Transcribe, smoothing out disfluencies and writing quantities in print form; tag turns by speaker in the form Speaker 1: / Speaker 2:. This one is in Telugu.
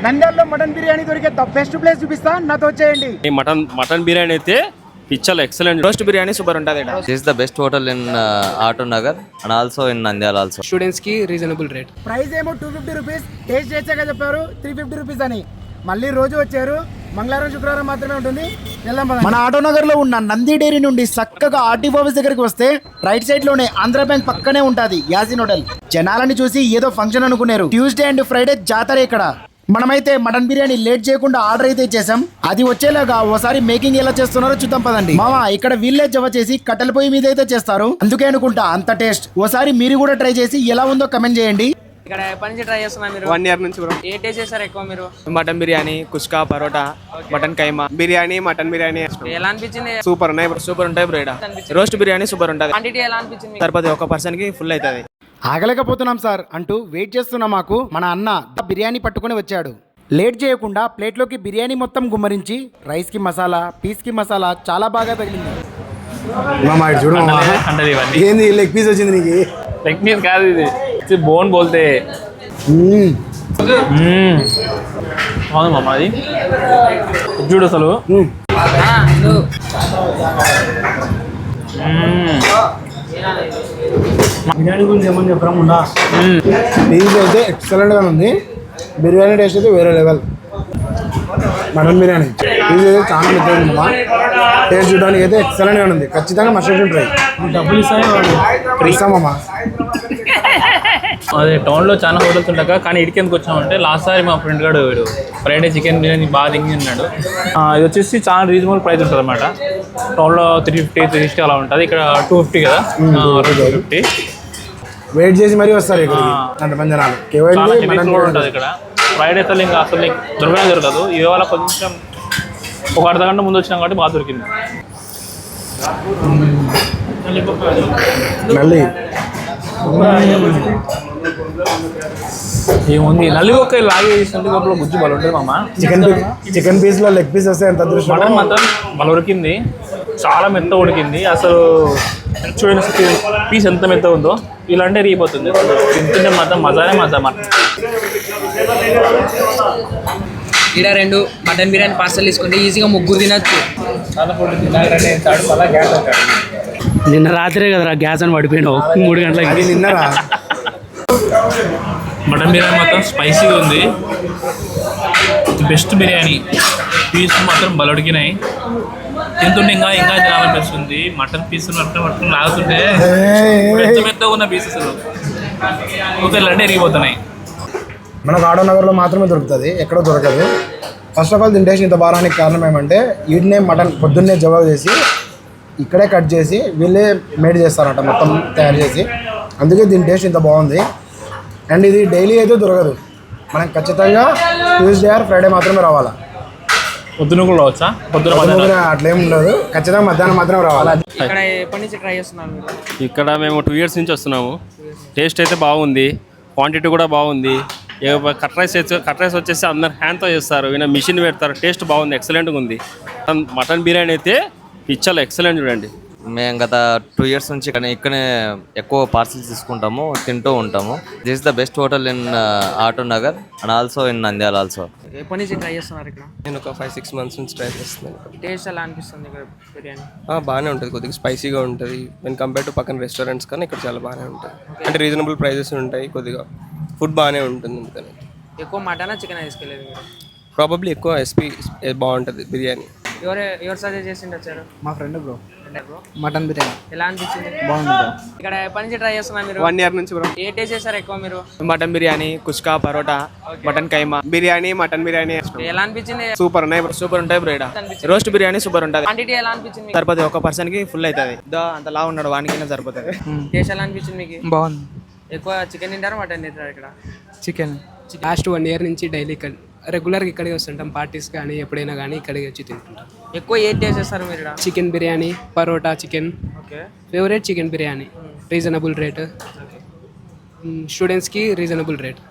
Speaker 1: నంద్యాలలో మటన్ బిర్యానీ దొరికే ద బెస్ట్ ప్లేస్ చూపిస్తా, నాతో వచ్చేయండి.
Speaker 2: మటన్ బిర్యానీ అయితే పిచ్చల్ ఎక్సలెంట్.
Speaker 3: రోస్ట్ బిర్యానీ సూపర్ ఉంటుంది.
Speaker 4: This is the best hotel in Auto Nagar and also in Nandyal also.
Speaker 3: Students కి రీజనబుల్ రేట్.
Speaker 1: ప్రైస్ ఏమో 250 రూపీస్, టేస్ట్ చేసాక చెప్పారు 350 రూపీస్ అని. మళ్ళీ రోజు వచ్చారు, మంగళవారం శుక్రవారం మాత్రమే ఉంటుంది. మన ఆటోనగర్ లో ఉన్న నంది డైరీ నుండి చక్కగా ఆర్టీఓ ఆఫీస్ దగ్గరికి వస్తే రైట్ సైడ్ లోనే ఆంధ్ర బ్యాంక్ పక్కనే ఉంటది యాసిన్ హోటల్. జనాలని చూసి ఏదో ఫంక్షన్ అనుకున్నారు. ట్యూస్డే అండ్ ఫ్రైడే జాతర ఇక్కడ. మనమైతే మటన్ బిర్యానీ లేట్ చేయకుండా ఆర్డర్ అయితే చేసాం. అది వచ్చేలాగా ఓసారి మేకింగ్ ఎలా చేస్తున్నారో చూద్దాం పదండి. మామా ఇక్కడ వీళ్ళే జవ చేసి కట్టెల పొయ్యి మీద అయితే చేస్తారు, అందుకే అనుకుంటా అంత టేస్ట్. ఓసారి మీరు కూడా ట్రై చేసి ఎలా ఉందో కమెంట్ చేయండి.
Speaker 5: ఇక్కడ ఎప్పటి నుంచి ట్రై చేస్తున్నారు మీరు?
Speaker 3: 1 ఇయర్ నుంచి బ్రో.
Speaker 5: ఏ టేస్ట్ చేస్తారు ఎక్కువ మీరు?
Speaker 3: Mutton biryani, kushka, parotta, mutton keema biryani, mutton biryani
Speaker 5: ఎలా అనిపించింది?
Speaker 3: సూపర్ ఉన్నాయి. సూపర్ ఉంటాయి బ్రో. రోస్ట్ బిర్యానీ సూపర్ ఉంటుంది.
Speaker 5: క్వాంటిటీ ఎలా అనిపించింది?
Speaker 3: సరిపోతుంది, ఒక పర్సన్ కి ఫుల్ అవుతుంది.
Speaker 1: ఆగలేకపోతున్నాం సార్ అంటూ వెయిట్ చేస్తున్న మాకు మన అన్న బిర్యానీ పట్టుకుని వచ్చాడు. లేట్ చేయకుండా ప్లేట్లోకి బిర్యానీ మొత్తం గుమ్మరించి రైస్ కి మసాలా, పీస్ కి మసాలా చాలా బాగా తగిలింది.
Speaker 6: ఏంది లెగ్ పీస్ వచ్చింది నీకు?
Speaker 2: లెగ్ పీస్ కాదు, ఇది బోన్ బోల్తే అవును మామ. అది చూడు అసలు
Speaker 6: బిర్యానీ గురించి ఏమని చెప్పకుండా పీస్ అయితే ఎక్సలెంట్ గా ఉంది. బిర్యానీ టేస్ట్ అయితే వేరే లెవెల్. మటన్ బిర్యానీ పీస్ అయితే చాలా మెత్తగా ఉందమ్మా. టేస్ట్ చూడడానికి అయితే ఎక్సలెంట్ గా ఉంది. ఖచ్చితంగా మస్ట్ ట్రై. డబ్బులు ఇస్తామమ్మా.
Speaker 2: అదే టౌన్లో చాలా హోటల్స్ ఉంటాక, కానీ ఇడికి ఎందుకు వచ్చామంటే లాస్ట్ సారి మా ఫ్రెండ్ గారు ఫ్రైడే చికెన్ బిర్యానీ బాగా దింగి ఉన్నాడు. ఇది వచ్చేసి చాలా రీజనబుల్ ప్రైస్ ఉంటుంది అనమాట. టౌన్లో 350, 360 అలా ఉంటుంది. ఇక్కడ 250 కదా, 250.
Speaker 6: వెయిట్ చేసి మరీ వస్తారు ఇక్కడ అంతమంది జనాలు.
Speaker 2: ఉంటుంది ఇక్కడ. ఫ్రైడే అసలు ఇంకా అసలు దొరకనే దొరకదు. ఇవాళ కొంచెం ఒక అర్ధ గంట ముందు వచ్చినాం కాబట్టి బాగా దొరికింది.
Speaker 6: మళ్ళీ
Speaker 2: ఏముంది నల్లి ఒక్క లాగే చేసినట్టు లోపల గుజ్జు బలం ఉంటుంది మామ.
Speaker 6: చికెన్ పీస్ లో లెగ్ పీస్ వస్తే ఎంత అదృష్టం.
Speaker 2: మటన్ మాత్రం బల ఉడికింది, చాలా మెత్త ఉడికింది. అసలు చూడండి పీస్ ఎంత మెత్త ఉందో, ఇలాంటి రీపోతుంది. తింటుంటే మాత్రం మజానే మజా.
Speaker 5: ఇక్కడ 2 మటన్ బిర్యానీ పార్సల్ తీసుకుంటే ఈజీగా 3 తినచ్చు.
Speaker 7: నిన్న రాత్రే కదరా గ్యాస్ అని పడిపోయినావు 3 గంటలకి.
Speaker 6: నిన్నరా
Speaker 2: మటన్ బిర్యానీ మాత్రం స్పైసీగా ఉంది. బెస్ట్ బిర్యానీ. పీస్ మాత్రం బలొడికినాయి. తింటుంటే ఇంకా తినాలనిపిస్తుంది. మటన్ పీస్ మటన్ లాగుతుంటే మెత్తగా ఉన్న పీసెస్ ఊపిరిలంటే ఎరిగిపోతున్నాయి.
Speaker 6: మనకు ఆటోనగర్లో మాత్రమే దొరుకుతుంది, ఎక్కడో దొరకదు. ఫస్ట్ ఆఫ్ ఆల్ దీని టేస్ట్ ఇంత బారానికి కారణం ఏమంటే వీటినే మటన్ పొద్దున్నే జవాబు చేసి ఇక్కడే కట్ చేసి వీళ్ళే మేడ్ చేస్తారట మొత్తం తయారు చేసి. అందుకే దీని టేస్ట్ ఇంత బాగుంది. అండ్ ఇది డైలీ అయితే దొరకదు, మనం ఖచ్చితంగా ట్యూస్డే ఆర్ ఫ్రైడే మాత్రమే రావాలా.
Speaker 2: పొద్దున కూడా రావచ్చా?
Speaker 6: పొద్దున అట్లేం ఉండదు, ఖచ్చితంగా మధ్యాహ్నం మాత్రమే రావాలా.
Speaker 5: ఇక్కడ ఎప్పటి నుంచి ట్రై చేస్తున్నారు మీరు?
Speaker 2: ఇక్కడ మేము 2 ఇయర్స్ నుంచి వస్తున్నాము. టేస్ట్ అయితే బాగుంది, క్వాంటిటీ కూడా బాగుంది. కట్ రైస్ వచ్చేసి అందరు హ్యాండ్తో చేస్తారు, ఈయన మిషన్ పెడతారు. టేస్ట్ బాగుంది, ఎక్సలెంట్గా ఉంది. మటన్ బిర్యానీ అయితే పిచ్చల్ ఎక్సలెంట్. చూడండి,
Speaker 4: మేము గత 2 ఇయర్స్ నుంచి ఇక్కడనే ఎక్కువ పార్సిల్స్ తీసుకుంటాము, తింటూ ఉంటాము. This is the best hotel in auto Nagar and also in Nandyal also.
Speaker 5: ఎప్పటి నుంచి ట్రై చేస్తున్నారు ఇక్కడ?
Speaker 3: నేను ఒక 5-6 months నుంచి ట్రై చేస్తున్నాను.
Speaker 5: టేస్ట్ ఎలా అనిపిస్తుంది ఇక్కడ బిర్యానీ?
Speaker 3: బాగానే ఉంటుంది, కొద్దిగా స్పైసీగా ఉంటుంది. వెన్ కంపేర్ టు పక్కన రెస్టారెంట్స్ కానీ ఇక్కడ చాలా బాగానే ఉంటుంది. అంటే రీజనబుల్ ప్రైజెస్ ఉంటాయి, కొద్దిగా ఫుడ్ బాగానే ఉంటుంది. అందుకని
Speaker 5: ఎక్కువ మటనా చికెన్ తీసుకెళ్ళేది మీరు?
Speaker 3: ప్రాబబ్లీ ఎక్కువ ఎస్పీ బాగుంటుంది బిర్యానీ.
Speaker 5: ఎవరు సజెస్ట్ చేసిండి వచ్చారు?
Speaker 1: మా ఫ్రెండ్ బ్రో. మటన్ బిర్యానీ
Speaker 5: ఎలా అనిపించింది?
Speaker 1: బాగుంది బ్రో.
Speaker 5: ఇక్కడ ఎప్పటి నుంచి ట్రై చేస్తున్నారు మీరు?
Speaker 3: 1 ఇయర్ నుంచి బ్రో.
Speaker 5: ఏ టేస్ట్ చేస్తారు ఎక్కువ మీరు?
Speaker 3: Mutton biryani, kushka, parotta, mutton keema biryani, mutton biryani
Speaker 5: ఎలా అనిపించింది?
Speaker 3: సూపర్ ఉన్నాయి. సూపర్ ఉంటాయి బ్రో. రోస్ట్ బిర్యానీ సూపర్ ఉంటుంది.
Speaker 5: క్వాంటిటీ ఎలా అనిపించింది?
Speaker 3: సరిపోతుంది, ఒక పర్సన్ కి ఫుల్ అవుతుంది. అంత లా ఉన్నాడు వానికి సరిపోతుంది.
Speaker 5: టేస్ట్ ఎలా అనిపించింది మీకు?
Speaker 7: బాగుంది.
Speaker 5: ఎక్కువ చికెన్ తింటారా మటన్ తింటారా ఇక్కడ?
Speaker 7: చికెన్. లాస్ట్ 1 ఇయర్ నుంచి డైలీ రెగ్యులర్గా ఇక్కడికి వస్తుంటాం. పార్టీస్ కానీ ఎప్పుడైనా కానీ ఇక్కడికి వచ్చి తింటుంటాం.
Speaker 5: ఎక్కువ ఏది టేస్ట్ చేస్తారు మీరు ఇక్కడ?
Speaker 7: Chicken biryani, parotta chicken.
Speaker 5: Okay.
Speaker 7: Favourite chicken biryani. Reasonable rate. స్టూడెంట్స్కి రీజనబుల్ రేట్.